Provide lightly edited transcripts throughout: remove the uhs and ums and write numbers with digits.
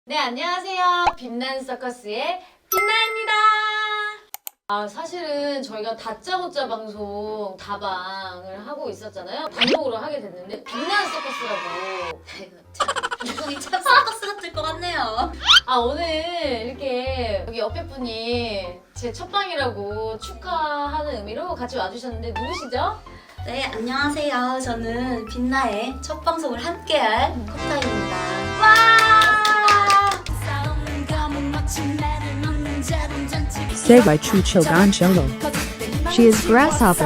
네, 안녕하세요. 빛난 서커스의 빛나입니다. 사실은 저희가 다짜고짜 방송 다방을 하고 있었잖아요. 단독으로 하게 됐는데 빛난 서커스라고. 방송이 참 서커스 같을 것 같네요. 오늘 이렇게 여기 옆에 분이 제 첫 방이라고 축하하는 의미로 같이 와주셨는데 누구시죠? 네, 안녕하세요. 저는 빛나의 첫 방송을 함께할 컵타입니다. Say by Chu Chogan Cholo. She is grasshopper.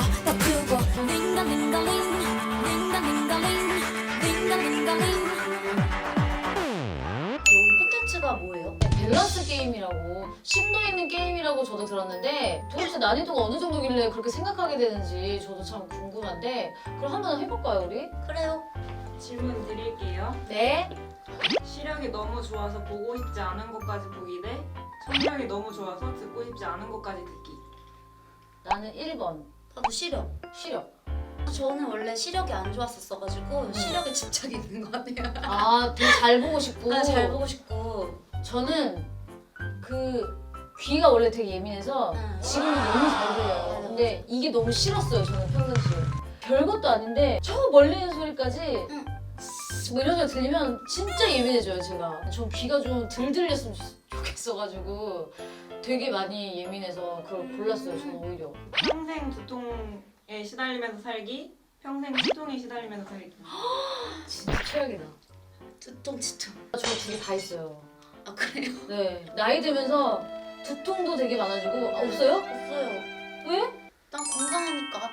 여기 콘텐츠가 뭐예요? 밸런스 게임이라고, 심도 있는 게임이라고 저도 들었는데 도대체 난이도가 어느 정도길래 그렇게 생각하게 되는지 저도 참 궁금한데 그럼 한번 해볼까요, 우리? 그래요. 질문 드릴게요. 네. 시력이 너무 좋아서 보고 싶지 않은 것까지 보기 대 청력이 너무 좋아서 듣고 싶지 않은 것까지 듣기. 나는 1번. 나도 시력. 시력. 저는 원래 시력이 안 좋았었어가지고 시력에 집착이 있는 것 같아요. 되게 잘 보고 싶고. 잘 보고 싶고. 저는 그 귀가 원래 되게 예민해서 지금은 너무 잘 들려요. 근데 이게 너무 싫었어요, 저는 평상시에. 별것도 아닌데 저 멀리 있는 소리까지 뭐 이런 소리 들리면 진짜 예민해져요, 제가. 전 귀가 좀 덜 들렸으면 좋겠어가지고 되게 많이 예민해서 그걸 골랐어요, 저는 오히려. 평생 두통에 시달리면서 살기, 평생 치통에 시달리면서 살기. 진짜 최악이다. 두통, 치통. 저 두 개 다 있어요. 아, 그래요? 네. 나이 들면서 두통도 되게 많아지고. 없어요? 없어요. 왜? 난 건강하니까.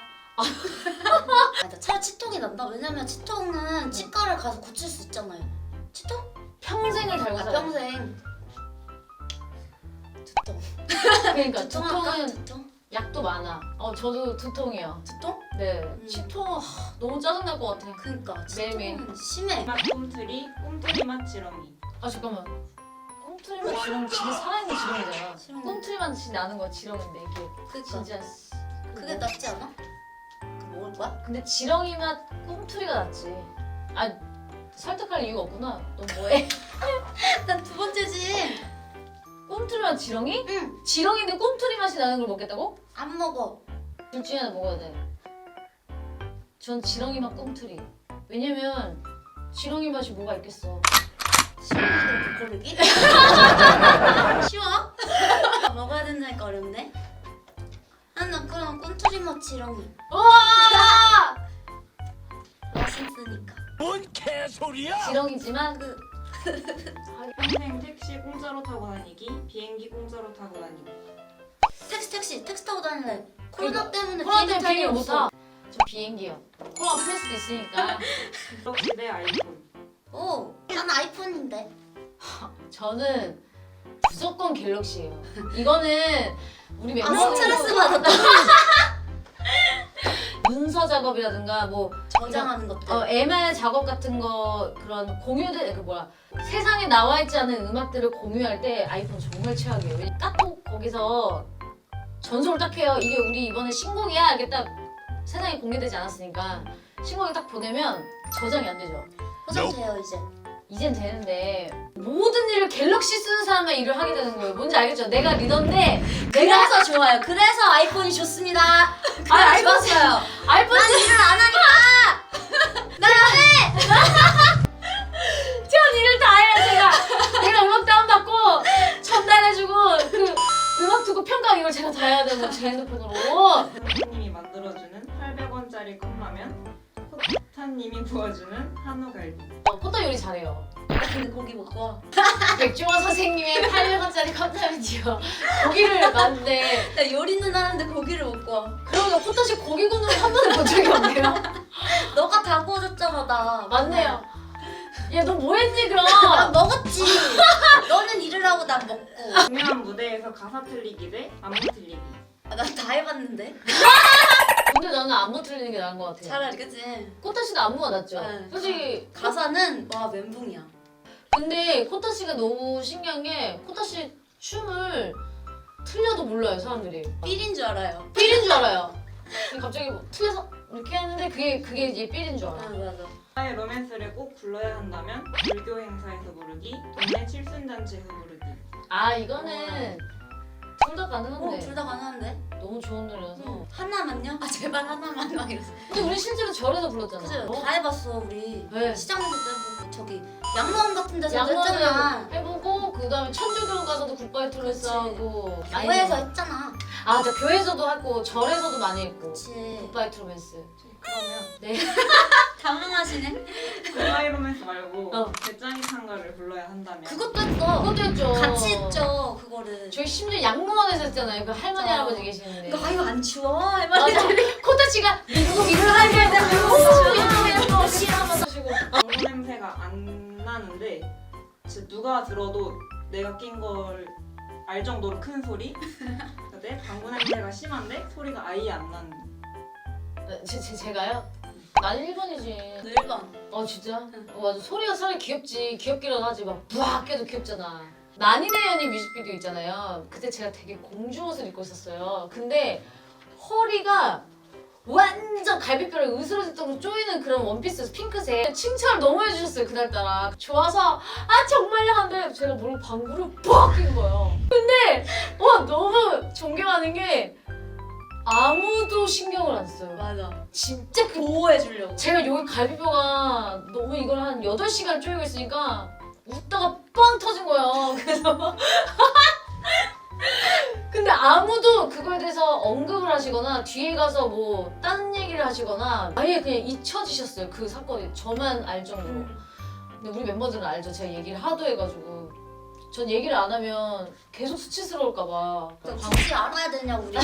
나 차라리 치통이 난다. 왜냐면 치통은 치과를 가서 고칠 수 있잖아요. 치통? 평생을 달고 살아요. 평생. 두통. 그러니까 두통할까? 두통은 두통? 약도 많아. 저도 두통이요. 두통? 네. 치통 너무 짜증날 것 같아. 그니까 매일매일. 치통은 심해. 맛 꿈틀이, 꿈틀이 맛 지렁이. 잠깐만. 꿈틀이만 지렁 진짜 살아있는 지렁이잖아. 지렁이. 꿈틀이만 나는 거 지렁인데 이게 그니까 진짜. 그게 낫지 않아? 그 먹을 거야? 근데 지렁이 맛 꿈틀이가 낫지. 설득할 이유가 없구나. 너 뭐해? 난 두 번째지. 꿈틀이 맛 지렁이? 응. 지렁이인데 꿈틀이 맛이 나는 걸 먹겠다고? 안 먹어. 둘 중에 하나 먹어야 돼. 전 지렁이 맛 꿈틀이. 왜냐면 지렁이 맛이 뭐가 있겠어. 신기하게 고르기? 쉬워? 먹어야 된다니까 어렵네. 난 그럼 꿈틀이 맛 지렁이. 우와! 맛있으니까. 뭔 개소리야! 지렁이지만 평생 택시 공짜로 타고 다니기, 비행기 공짜로 타고 다니기. 택시 타고 다닐래. 코로나 때문에 코로나 비행기 때문에 탈 일 비행기 못 없어. 타. 저 비행기요. 코로나 풀 수도 있으니까. 갤럭시 대 아이폰. 오, 난 아이폰인데. 저는 무조건 갤럭시예요. 이거는 우리 아, 멤버들 스트레스 받았다. 문서 작업이라든가 뭐 저장하는 것들. MR 작업 같은 거 그런 공유들 세상에 나와 있지 않은 음악들을 공유할 때 아이폰 정말 최악이에요. 딱꼭 거기서 전송을 딱 해요. 이게 우리 이번에 신곡이야. 이게 딱 세상에 공개되지 않았으니까 신곡을 딱 보내면 저장이 안 되죠. 포장돼요 이제. 이젠 되는데 모든 일을 갤럭시 쓰는 사람만 일을 하게 되는 거예요. 뭔지 알겠죠? 내가 리더인데 그래서 좋아요. 그래서 아이폰이 좋습니다. 아이폰 좋았어요. 아이폰 난 일을 안 하니까. 전 일을 다 해요. 제가 음악 다운받고 전달해주고 그 음악 듣고 평가하고 이걸 제가 다 해야 되고 제 핸드폰으로. 선생님이 만들어주는 800원짜리 컵라면, 포타님이 부어주는 한우갈비. 포터 요리 잘해요. 근데 고기 먹고 와. 백종원 선생님의 800원짜리 컵라면이요. 고기를 만드는데 나 요리는 하는데 고기를 먹고 와. 그러면 포터씨 고기 굽는 거 한 번도 본 적이 없네요. 너가 다 구워줬잖아 나. 맞네요. 야 너 뭐 했니 그럼? 난 먹었지. 너는 일을 하고 난 먹고. 중요한 무대에서 가사 틀리기 대 안무 틀리기. 난 다 해봤는데. 근데 나는 안무 틀리는 게 나은 것 같아요. 차라리 그치. 코타씨도 안무가 낫죠? 네. 솔직히 가사는 와 멘붕이야. 근데 코타씨가 너무 신기한 게 코타씨 춤을 틀려도 몰라요 사람들이. 삘인 줄 알아요. 삘인 줄 알아요. 근데 갑자기 뭐 틀려서 이렇게 하는데 그게 이제 삘인 줄 알아. 맞아. 나의 로맨스를 꼭 불러야 한다면 불교 행사에서 부르기, 동네 칠순잔치에서 부르기. 아 이거는 둘 다 가능한데. 둘 다 가능한데? 너무 좋은 노래라서. 하나만요? 아 제발 하나만 막 이러서. 근데 우리 실제로 절에서 불렀잖아. 그치? 어? 다 해봤어 우리. 네. 시장에서도 해보고 저기 양로원 같은 데서도 양로원을 했잖아. 해보고 그다음에 천주교 가서도 굿바이 토레스 그치. 하고. 교회에서 했잖아. 아, 저 교회에서도 하고 절에서도 많이 했고. 그치. 굿바이 트로맨스. 그러면 네. 당황하시네. 굿바이 로맨스 말고 어. 배짱이 찬가를 불러야 한다면 그것도 했어. 그것도 했죠. 같이 했죠 그거를. 저희 심지어 양로원에서 했잖아요. 그 할머니 맞아. 할아버지 계시는데. 이거 아유 안 추워? 맞아. 할머니들이. 코타치가 미국 이스라엘 갈 때. 오, 싫어하면서 하시고. 방구 냄새가 안 나는데 진짜 누가 들어도 내가 낀 걸 알 정도로 큰 소리. 근데 방구 냄새가 심한데 소리가 아예 안 나는. 제가요? 난 1번이지. 1번. 진짜? 맞아. 소리가 차라리 귀엽지. 귀엽기라도 하지. 막 부악 해도 귀엽잖아. 난이네 연이 뮤직비디오 있잖아요. 그때 제가 되게 공주 옷을 입고 있었어요. 근데 허리가 완전 갈비뼈를 으스러질 정도로 조이는 그런 원피스 핑크색. 칭찬을 너무 해주셨어요 그날따라. 좋아서 아 정말요 한데 제가 모르고 방구를 빡 낀 거예요. 근데 너무 존경하는 게 아무도 신경을 안 써요. 맞아. 진짜 보호해주려고. 제가 여기 갈비뼈가 너무 이걸 한 8시간 쪼이고 있으니까 웃다가 빵 터진 거예요. 그래서 근데 아무도 그거에 대해서 언급을 하시거나 뒤에 가서 뭐 다른 얘기를 하시거나 아예 그냥 잊혀지셨어요. 그 사건이 저만 알 정도로. 근데 우리 멤버들은 알죠. 제가 얘기를 하도 해가지고 전 얘기를 안 하면 계속 수치스러울까 봐. 굳이 알아야 되냐 우리가.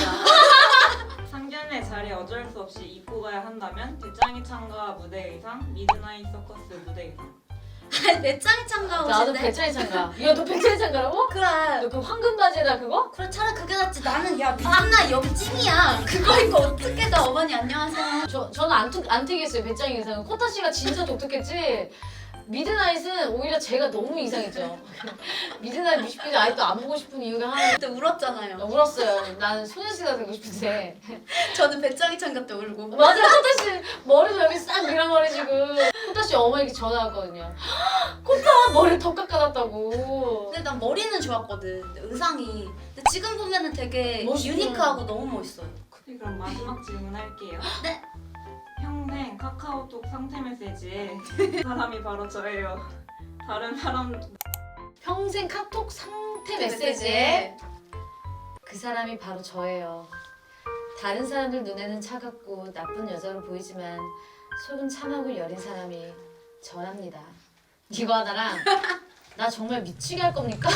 상견례 자리에 어쩔 수 없이 입고 가야 한다면 배짱이 찬가 무대 의상, 미드나잇 서커스 무대 의상. 아니 내 짱이 참가하고 나도 싶은데. 배짱이 장가. 야 너 배짱이 장가라고? 그래. 너 그 황금 바지에다 그거? 그래 차라리 그게 낫지. 나는 야 미안나 여기 찐이야. 그거 입고 어떻게 나 어머니 안녕하세요. 저는 안 특이했어요. 배짱이 의상은. 코타 씨가 진짜 독특했지. 미드나잇은 오히려 제가 너무 이상했죠. 미드나잇 뮤직비디오 아직도 안 보고 싶은 이유가 하나. 그때 울었잖아요. 울었어요. 나는 소녀시대가 되고 싶은데. 저는 배짱이 참가 때 울고. 맞아, 코타 씨 머리도 여기 싹 밀어버리시고. 코타 씨 어머니께 전화 왔거든요. 코타 머리 더 깎아놨다고. 근데 난 머리는 좋았거든. 근데 의상이. 근데 지금 보면은 되게 멋있죠. 유니크하고 너무 멋있어요. 네, 그럼 마지막 질문할게요. 네. 평생 카카오톡 상태 메시지에 사람이 바로 저예요. 다른 사람 평생 카톡 상태 메시지에 그 사람이 바로 저예요. 다른 사람들 눈에는 차갑고 나쁜 여자로 보이지만 속은 참하고 여린 사람이 저랍니다. 이거 하나랑 나 정말 미치게 할 겁니까?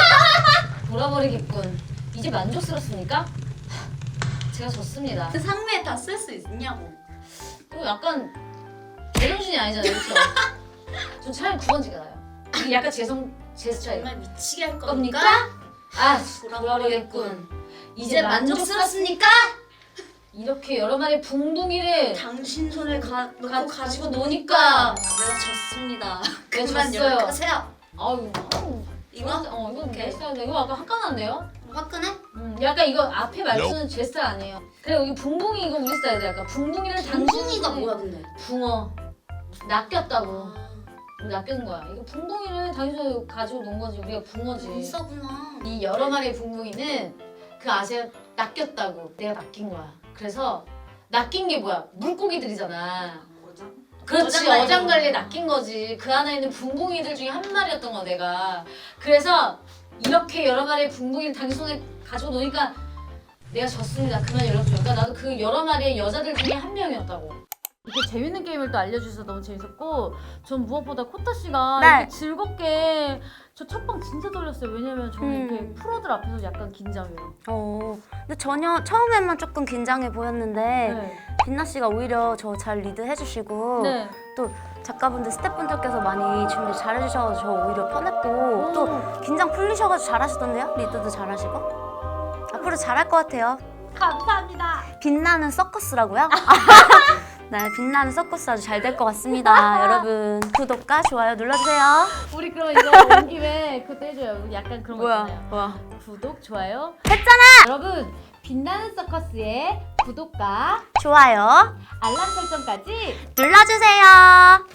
돌아버리겠군. 이제 만족스럽습니까? 제가 졌습니다. 그 상매에 다 쓸 수 있냐고. 이거 약간 제정신이 아니잖아요, 그렇죠? 전 차라리 9번지가 나요. 이게 약간 제 스타일. 정말 미치게 할 겁니까? 겁니까? 아, 돌아버리겠군. 이제 만족스럽습니까? 이렇게 여러 마리 붕둥이를 당신 손을 놓고 가지고 노니까 내가 졌습니다. 내가 그만 졌어요. 연락하세요. 아유, 이거? 이건 오케이. 내 스타일인데 이거 약간 화끈한데요? 화끈해? 약간 이거 앞에 말투는 제 스타일 아니에요. 그래 여기 붕붕이 이거 우리 스타일이야. 약간 붕붕이를 당신이가 당신이 뭐야 근데? 붕어 낚였다고. 아, 낚인 거야. 이거 붕붕이를 당신이 가지고 논 거지. 우리가 붕어지. 인싸구나. 이 여러 마리의 붕붕이는 그 아세요? 낚였다고. 내가 낚인 거야. 그래서 낚인 게 뭐야? 물고기들이잖아. 어장? 그렇지. 어장관리. 어장관리에 낚인 거지. 그 안에 있는 붕붕이들 중에 한 마리였던 거야 내가. 그래서 이렇게 여러 마리의 붕붕이를 당신 손에 가지고 노니까 내가 졌습니다. 그만 연락 줘요. 그러니까 나도 그 여러 마리의 여자들 중에 한 명이었다고. 이렇게 재밌는 게임을 또 알려주셔서 너무 재밌었고 전 무엇보다 코타 씨가 네. 이렇게 즐겁게 저 첫방 진짜 떨렸어요. 왜냐면 저는 이렇게 프로들 앞에서 약간 긴장해요. 근데 전혀 처음에만 조금 긴장해 보였는데 네. 빛나 씨가 오히려 저 잘 리드 해주시고 네. 또 작가분들 스태프분들께서 많이 준비 잘 해주셔서 저 오히려 편했고 또 긴장 풀리셔가지고 잘하시던데요? 리드도 잘하시고 앞으로 잘할 것 같아요. 감사합니다. 빛나는 서커스라고요? 네, 빛나는 서커스 아주 잘 될 것 같습니다. 여러분 구독과 좋아요 눌러주세요. 우리 그럼 이거 온 김에 그것도 해줘요. 약간 그런 거 있잖아요. 뭐야? 구독, 좋아요. 했잖아! 여러분 빛나는 서커스의 구독과 좋아요 알람 설정까지 눌러주세요.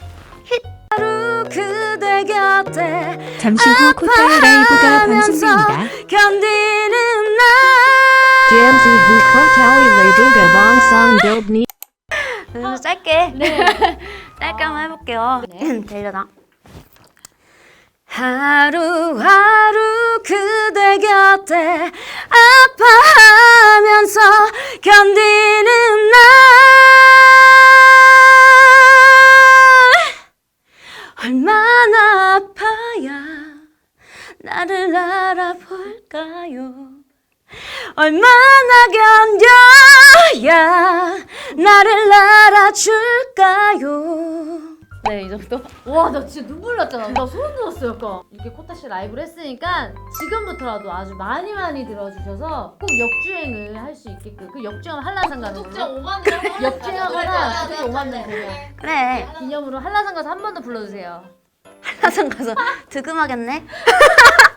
하루 그대 곁에 잠시 후 코타의 라이브가 방송됩니다. 견디는 날 잠시 후 코타의 라이브가 방송됩니다. 그래서 짧게 네. 짧게 한번 해볼게요. 네. 들려나? 하루하루 그대 곁에 아파하면서 견디는 날 얼마나 아파야 나를 알아볼까요? 얼마나 견뎌야 나를 알아줄까요? 네, 이 정도? 와, 나 진짜 눈물 났잖아. 나 소름 돋았어, 약간. 이렇게 코타씨 라이브를 했으니까 지금부터라도 아주 많이 들어주셔서 꼭 역주행을 할 수 있게끔 그 역주행 한라산가로 구독자 5만 명. 역주행하거나 구독자 5만 명 되면 그래 기념으로 한라산 가서 한 번 더 불러주세요. 한라산 가서 득음하겠네.